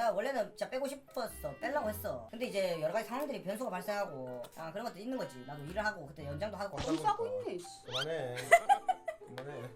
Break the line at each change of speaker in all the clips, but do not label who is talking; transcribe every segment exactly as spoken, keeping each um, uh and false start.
내가 원래는 진짜 빼고 싶었어. 빼려고 했어. 근데 이제 여러 가지 상황들이 변수가 발생하고 아 그런 것도 있는 거지. 나도 일을 하고 그때 연장도 하고.
돈 싸고 있네. 씨.
그만해. 그만해.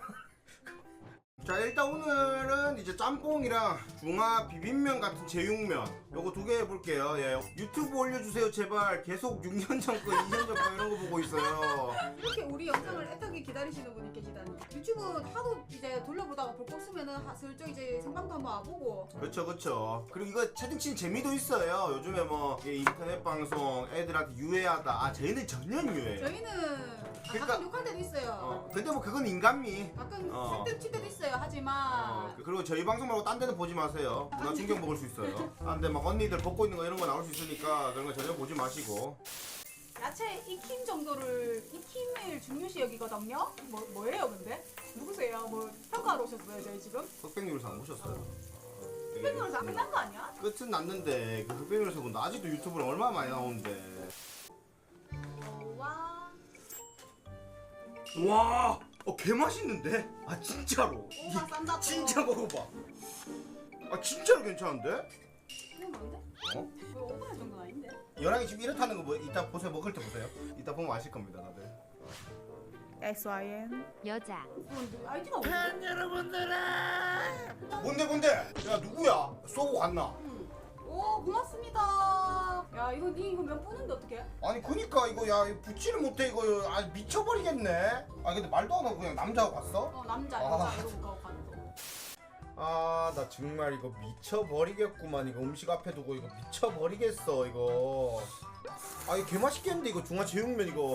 자 일단 오늘은 이제 짬뽕이랑 중화 비빔면 같은 제육면 요거 두 개 해볼게요. 예. 유튜브 올려주세요 제발. 계속 육 년 전 거, 이 년 전 거 이런 거 보고 있어요.
이렇게 우리 영상을 애타게 기다리시는 분이 계시다니. 유튜브 하도 이제 돌려보다가 볼 거 없으면은 하- 슬쩍 이제 생방도 한번 와보고.
그렇죠 그렇죠. 그리고 이거 채팅 치는 재미도 있어요. 요즘에 뭐 예, 인터넷 방송 애들한테 유해하다. 아 저희는 전혀 유해해요.
저희는
그러니까-
가끔 욕할 때도 있어요.
어, 근데 뭐 그건 인간미.
가끔
어.
색들 칠 때도 있어요. 하지만
어, 그리고 저희 방송 말고 딴 데는 보지 마세요. 문화 충격 먹을 수 있어요. 아, 근데 막 언니들 벗고 있는 거 이런 거 나올 수 있으니까 그런 거 전혀 보지 마시고.
야채 익힘 정도를 익힘을 중요시 여기거든요. 뭐 뭐예요, 근데? 누구세요? 뭐 평가하러 오셨어요, 저희 지금?
흑백요리사 안 보셨어요?
흑백요리사 안 끝난 거 아니야?
끝은 났는데 그 흑백요리사 분 아직도 유튜브를 얼마나 많이 나오는데.
와.
와, 어 개 맛있는데? 아 진짜로?
오가 싼다.
진짜 먹어봐. 아 진짜로 괜찮은데?
이건 뭔데?
어?
왜 오버할 정도는 아닌데?
열랑이 지금 이렇다는 거 뭐 이따 보세요. 먹을 때 보세요. 이따 보면 아실 겁니다 다들.
엑스 와이 엔
여자
어, 아이디가 뭐지?
뭔데 뭔데? 야 누구야? 쏘고 갔나?
응. 오 고맙습니다. 야 이거 니 이거 면 뿌는데 어떡해?
아니 그니까 이거 야 이거 붙지를 못해 이거 아 미쳐버리겠네. 아 근데 말도 안 하고 그냥 남자하고 갔어?
어 남자
아.
여자 이러고 가고 가는 거.
아 나 정말 이거 미쳐버리겠구만. 이거 음식 앞에 두고 이거 미쳐버리겠어 이거. 아 이거 개맛있겠는데 이거 중화 제육면 이거.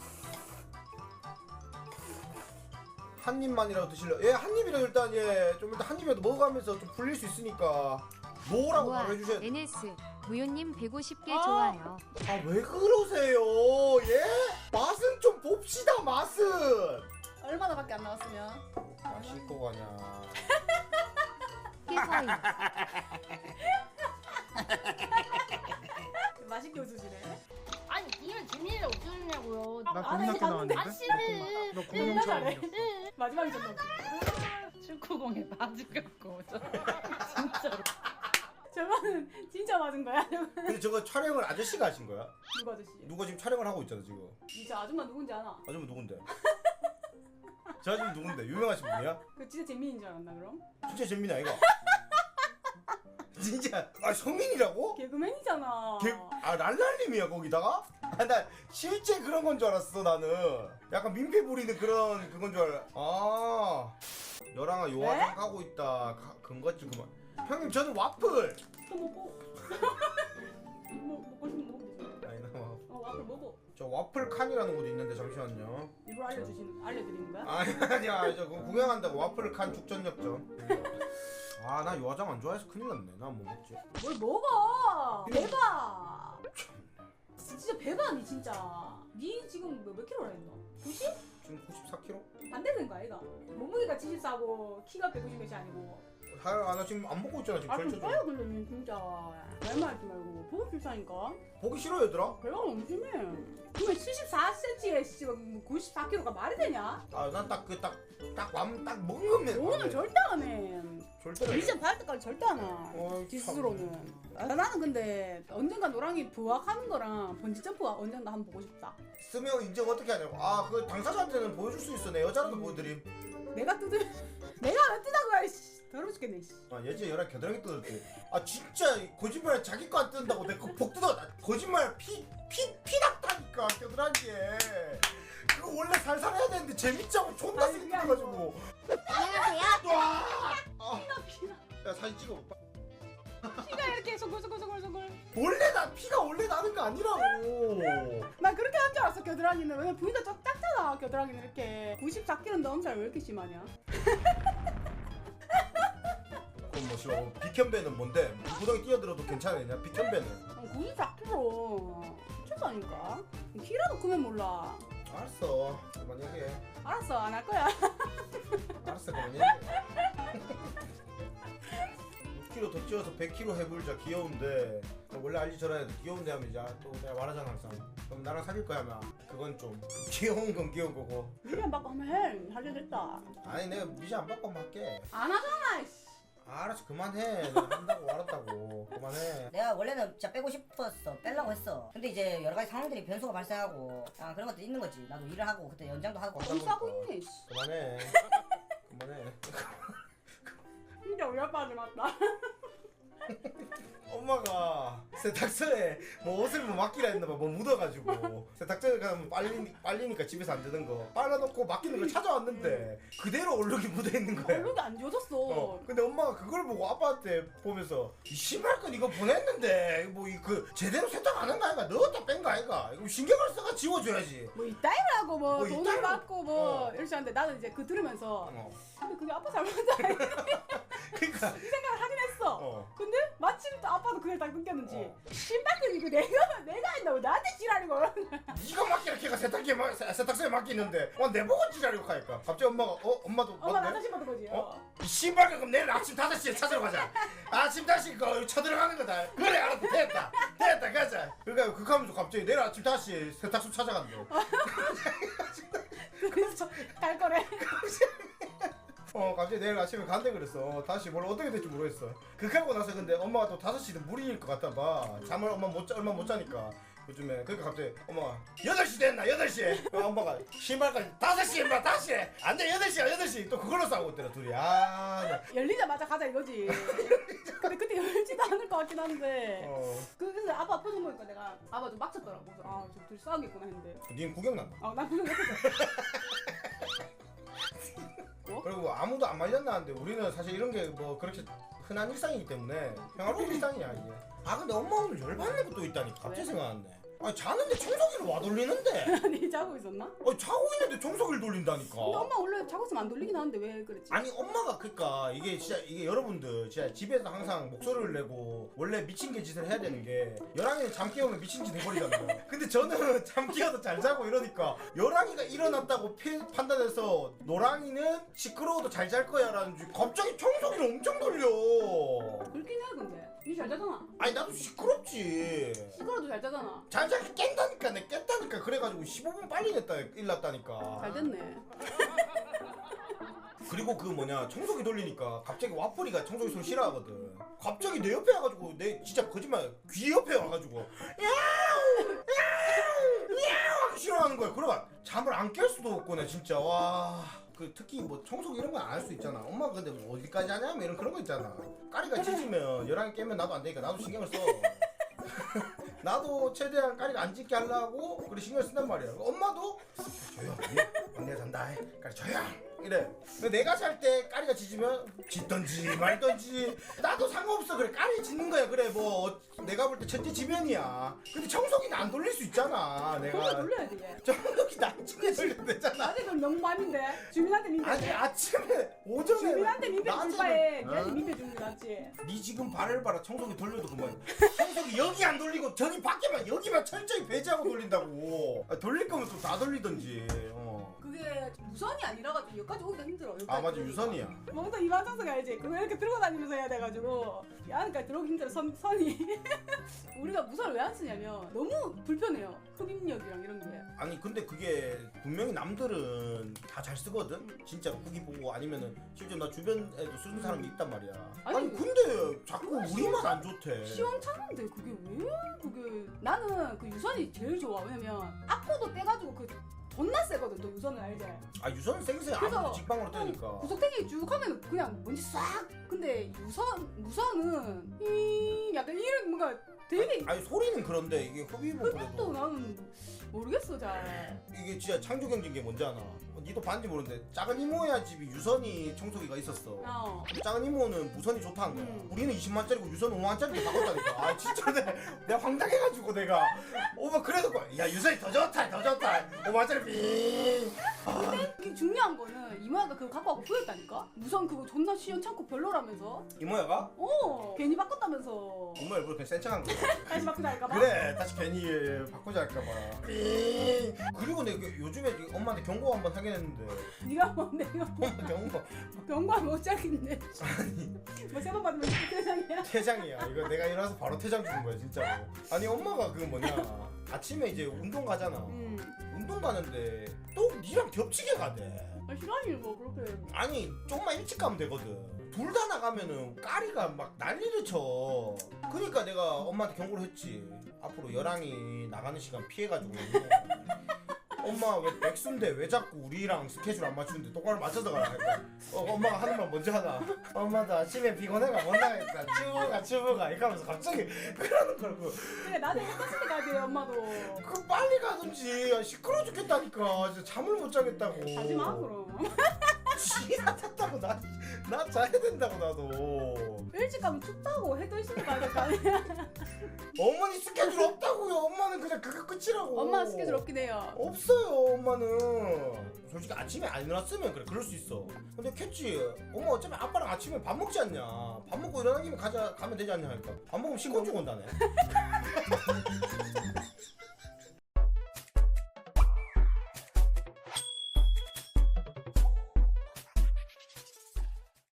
한 입만이라도 드실래요? 예, 한 입이라도 일단 예, 좀 일단 한 입이라도 먹어가면서 좀 불릴 수 있으니까 뭐라고
우와
바로 해주셔야.
엔에스 무효님 백오십 개
아.
좋아요.
아 왜 그러세요? 예? 맛은 좀 봅시다 맛은.
얼마나밖에 안 나왔으면?
아 씻고 가냐.
깨서이
맛있게 웃으시네.
아니 니는 재민이를 어떻게 했냐고요.
아,
나
안
국민학교
해, 안
나왔는데?
아 싫어.
너 국민학교
잘해.
나왔는데?
마지막에 좀 넣고.
축구공에 맞으겠고 진짜로.
저거는 진짜 맞은 거야?
근데 저거 촬영을 아저씨가 하신 거야?
누구 아저씨?
누가 지금 촬영을 하고 있잖아 지금.
이제 아줌마 누군지 아나?
아줌마 누군데? 저 아줌마 누군데? 유명하신 분이야?
그 진짜 재민인 줄 알았나 그럼?
진짜 재민이 아이가? 진짜 아 성민이라고?
개그맨이잖아.
개, 아 랄랄님이야 거기다가? 아 나 실제 그런 건 줄 알았어 나는. 약간 민폐 부리는 그런 그건 줄 알아. 아 너랑아 요화장 가고 있다. 가, 근거지 그만. 형님 저는 와플.
또 먹고. 뭐 먹고 싶으면 먹으면 되지.
아니 나 와-
어 와플 먹어.
저 와플 칸이라는 곳이 있는데 잠시만요.
이걸 알려주시는 알려드리는 거야?
아니 아니야 저 그거 구경한다고 와플 칸 죽전역전. 아 나 요화장 안 좋아해서 큰일 났네. 나 뭐 먹지?
뭘 먹어? 배봐. 진짜 배봐 니 진짜. 니 지금 몇, 몇 킬로라 했노? 구십?
지금 구십사 킬로그램?
반대된 거 아이가? 몸무게가 칠십사고 키가 백오십 몇이 아니고.
아, 나 지금 안 먹고 있잖아 지금
아 좀
절쳐져.
써요 근데 니 진짜. 말만 하지 말고 보고 필사니까.
보기 싫어 얘들아.
배가 너무 심해. 그러면 칠십사 센티미터에 뭐 구십사 킬로그램가 말이 되냐?
아 난 딱 그 딱 딱 맘 딱 먹으면
오늘 절대 안 해.
절대
미션 받을 때까지 절대 안 와.
어이,
지 스스로는. 아, 나는 근데 언젠가 노랑이 부학하는 거랑 번지 점프가 언젠가 한번 보고 싶다.
쓰면 인정 어떻게 하냐고. 아 그 당사자한테는 보여줄 수 있어. 내 여자라도 보여드림.
내가 뜯을 내가 왜 뜯은 거야? 씨. 더러워 죽겠네. 씨.
아 예전에 열한 겨드랑이 뜯었지. 아 진짜 거짓말 자기 거 안 뜯는다고 내가 복 뜯어. 나 거짓말 피 피 피 났다니까 겨드랑이에. 그거 원래 살살 해야 되는데 재밌자고 존나
아니,
세게
그게
뜯어가지고.
안녕하세요.
와. 아,
피나 피나.
야 사진 찍어.
피가 이렇게 송글송글송글송글.
원래 나 피가 원래 나는 거 아니라고.
난 그렇게 한 줄 알았어 겨드랑이는. 왜냐면 부위가 좀 작잖아 겨드랑이는 이렇게. 구십사 킬로그램 넘살 왜 이렇게 심하냐?
그럼 뭐 싫어. 비켠배는 뭔데? 구덩이 뛰어들어도 괜찮으냐? 비켠배는.
어, 구십사 킬로그램. 미쳤다니까. 키라도 크면 몰라.
알았어. 그만 얘기해.
알았어 안 할 거야.
알았어 그만 얘기해. 육 킬로그램 더 찌워서 백 킬로그램 해불자. 귀여운데 원래 알지 저래 귀여운데 하면 이제 또 내가 말하잖아 항상. 그럼 나랑 사귈 거야 아마. 그건 좀 귀여운 건 귀여운 거고.
미션 받고 하면 해. 하려 됐다.
아니 내가 미션 안 받고 한번 할게.
안 하잖아. 씨.
알았어 그만해. 내가 한다고 알았다고.
원래는 진짜 빼고 싶었어. 빼려고 했어. 근데 이제 여러 가지 상황들이 변수가 발생하고 아, 그런 것도 있는 거지. 나도 일을 하고 그때 연장도 하고.
돈 싸고 있네. 씨.
그만해. 그만해.
진짜 우리 아빠한테 맞다.
엄마가 세탁소에 뭐 옷을 뭐 맡기라 했나봐. 뭐 묻어가지고 세탁소에 가면 빨리, 빨리니까 집에서 안 되는 거 빨아놓고 맡기는 걸 찾아왔는데 그대로 얼룩이 묻어있는 거야.
얼룩이 안 지워졌어.
어. 근데 엄마가 그걸 보고 아빠한테 보면서 이 신발끈 이거 보냈는데 뭐 이 그 제대로 세탁 안 한 거 아이가? 넣었다 뺀 거 아이가? 이거 신경을 써가 지워줘야지.
뭐 이따위라고 뭐,
뭐
돈을
이따위로-
받고 뭐
어.
이렇게 하는데 나는 이제 그 들으면서
어.
근데 그게 아빠 잘못이다 이
그러니까
생각을 하긴 했어.
어.
근데 마침 또 아빠도 그걸 딱 느꼈는지
어.
신발끈 이거 내가 내가 했다고 나한테 지랄이고.
네가 맡기라 걔가 세탁기에 마, 세- 세탁소에 맡기는데 와 내보고 지랄이고 하니까 갑자기 엄마가 어? 엄마도
엄마
맞네?
나한테 신발끈 거지.
어? 이 신발 그럼 내일 아침 다섯 시에 찾으러 가자. 아침 다섯 시 거 쳐들어가는 거다. 그래 알았다 됐다 됐다 가자. 그러니까 그거 하면서 갑자기 내일 아침 다섯 시에 세탁소 찾아간대.
그래서 갈 거래.
어 갑자기 내일 아침에 간대 그랬어. 다시 뭘 어떻게 될지 모르겠어. 그렇게 하고 나서 근데 엄마가 또 다섯 시는 무리일 것 같아 봐. 잠을 엄마 못 자, 얼마 못 자니까 요즘에. 그러니까 갑자기 엄마가 여덟 시 됐나 여덟 시에 엄마가 신발까지 다섯 시에 인마 다섯 시에 안돼 여덟 시야 여덟 시 또 그걸로 싸우고 있더라 둘이. 아 나-
열리자마자 가자 이거지. 근데 그때 열지도 않을 것 같긴 한데.
어.
그래서 아빠 표정 보니까 내가 아빠 좀 빡쳤더라고. 그래서 아, 저 둘이 싸우겠구나 했는데.
닌 구경 난다.
아, 난 그냥 했어.
그리고 뭐 아무도 안 말렸나는데 우리는 사실 이런 게 뭐 그렇게 흔한 일상이기 때문에 평화로운 일상이야 이게. 아 근데 엄마 오늘 열받는 것도 있다니까 갑자기
왜?
생각났네. 아 자는데 청소기를 와 돌리는데.
아니 자고 있었나?
아 자고 있는데 청소기를 돌린다니까.
근데 엄마 원래 자고 있으면 안 돌리긴 하는데 왜 그랬지?
아니 엄마가 그니까 이게 진짜 이게 여러분들 진짜 집에서 항상 목소리를 내고 원래 미친 개 짓을 해야 되는 게 열랑이는 잠 깨우면 미친 짓 해버리잖아요. 근데 저는 잠 깨워도 잘 자고 이러니까 열랑이가 일어났다고 피, 판단해서 노랑이는 시끄러워도 잘 잘 거야 라는 줄 갑자기 청소기를 엄청 돌려.
그렇긴 해 근데 니 잘 자잖아.
아니 나도 시끄럽지.
시끄러도 잘 자잖아.
잘 자기 깬다니까 내 깼다니까. 그래가지고 십오 분 빨리 냈다 일났다니까.
잘 됐네.
그리고 그 뭐냐 청소기 돌리니까 갑자기 와플이가 청소기 소리 싫어하거든. 갑자기 내 옆에 와가지고 내 진짜 거짓말 귀 옆에 와가지고 야우 야우 야우 하기 싫어하는 거야. 그러가 잠을 안 깰 수도 없고 나 진짜 와. 그 특히 뭐 청소기 이런 건 안 할 수 있잖아. 엄마가 근데 뭐 어디까지 하냐면 이런 그런 거 있잖아. 까리가 짖으면 열랑이 깨면 나도 안 되니까 나도 신경을 써. 나도 최대한 까리가 안 짖게 하려고 그래 신경 쓴단 말이야. 엄마도 조용 언니가 잔다 까리 조용 이래. 근데 내가 잘 때 까리가 짖으면 짖던지 말던지 나도 상관없어. 그래 까리 짖는 거야. 그래 뭐 내가 볼 때 첫째 지면이야. 근데 청소기는 안 돌릴 수 있잖아.
그런 거
내가
돌려야지 얘.
청소기 나중에 돌려도 되잖아.
나한테 그럼 명반인데 주민한테 민폐.
아니 아침에 오전에
주민한테 민폐
낮에는-
줄 바에
어?
니한테 민폐 주는 게 낫지.
니 지금 발을 봐라. 청소기 돌려도 그만. 청소기 여기 안 돌리고 저기 밖에만 여기만 철저히 배제하고 돌린다고. 아, 돌릴 거면 또 다 돌리던지. 어.
그게 무선이 아니라가지고 여기까지 오기가 힘들어. 여기까지
아 맞아
오기가.
유선이야.
뭔가 이만장성 알지? 그거 이렇게 들고 다니면서 해야 돼가지고 이 안까지 들어오기 힘들어. 선, 선이. 우리가 무선을 왜 안 쓰냐면 너무 불편해요. 흡입력이랑 이런 게.
아니 근데 그게 분명히 남들은 다 잘 쓰거든. 진짜 후기 보고 아니면은 실제 나 주변에도 쓰는 사람이 있단 말이야. 아니,
아니,
근데 자꾸 우리만 안 좋대.
시원찮은데 그게 왜 그게 나는 그 유선이 제일 좋아. 왜냐면 악보도 떼가지고 그 존나 세거든. 또 유선을 알지?
아 유선은 생세
그래서
아무도 직방으로 뜨니까.
구석탱이 쭉 하면 그냥 뭔지 싹. 근데 유선 무선은 이 약간 이런 뭔가 되게
아니 소리는 그런데 이게 흡입은
흡입도
그래도
나는 모르겠어 잘.
이게 진짜 창조경제인 게 뭔지 아나? 어, 니도 봤는지 모르는데 작은 이모야 집이 유선이 청소기가 있었어.
어.
근데 작은 이모는 무선이 좋다는 거야.
음.
우리는 이십만짜리고 유선 오만짜리로 바꿨다니까. 아 진짜 내, 내가 황당해가지고 내가 오빠 그래도 야 유선이 더 좋다 더 좋다 오만짜리 빙.
이게 중요한 거는 이모야가 그거 갖고 와서 보였다니까? 무선 그거 존나 시원찮고 별로라면서?
이모야가?
어 괜히 바꿨다면서.
이모야 뭐 그냥 센 척한 거야.
다시 바꾸자 할까봐?
그래 다시 괜히 바꾸자 할까봐. 빙. 그리고 내가 요즘에 엄마한테 경고 한번 하긴 했는데
네가 뭐 내가 뭐
엄마 경고
병관 못 자겠네. 뭐 세 번 받으면 세상이야.
퇴장이야. 이거 내가 일어나서 바로 퇴장 주는 거야 진짜로. 아니 엄마가 그 뭐냐 아침에 이제 운동 가잖아.
음.
운동 가는데 또 니랑 겹치게 가대.
아, 시간이 뭐 그렇게.
아니 조금만 일찍 가면 되거든. 둘 다 나가면은 까리가 막 난리를 쳐. 그러니까 내가 엄마한테 경고를 했지. 앞으로 여랑이 나가는 시간 피해가지고. 엄마 왜 백수인데 왜 자꾸 우리랑 스케줄 안 맞추는데 똑바로 맞춰서 가라. 그러니까 어, 엄마가 하는 말 먼저 하나. 엄마도 아침에 피곤해가 못 나가겠다. 추부가 추부가 이렇게 하면서 갑자기 그러는 거라고.
그래 나도 똑같이 가야 돼 엄마도.
그 빨리 가든지. 아, 시끄러워 죽겠다니까. 진짜 잠을 못 자겠다고.
가지마 그럼.
지나 탔다고 나, 나 자야 된다고 나도.
일찍 가면 춥다고 해도 있으니까 가야 될 거 아니야.
어머니 스케줄 없다고요. 엄마는 그냥 그게 끝이라고.
엄마 스케줄 없긴 해요.
없어요 엄마는. 솔직히 아침에 안 일어났으면 그래 그럴 수 있어. 근데 캣지 엄마 어차피 아빠랑 아침에 밥 먹지 않냐. 밥 먹고 일어난 김에 가자 가면 되지 않냐 하니까 밥 먹으면 신고 쭉 온다네.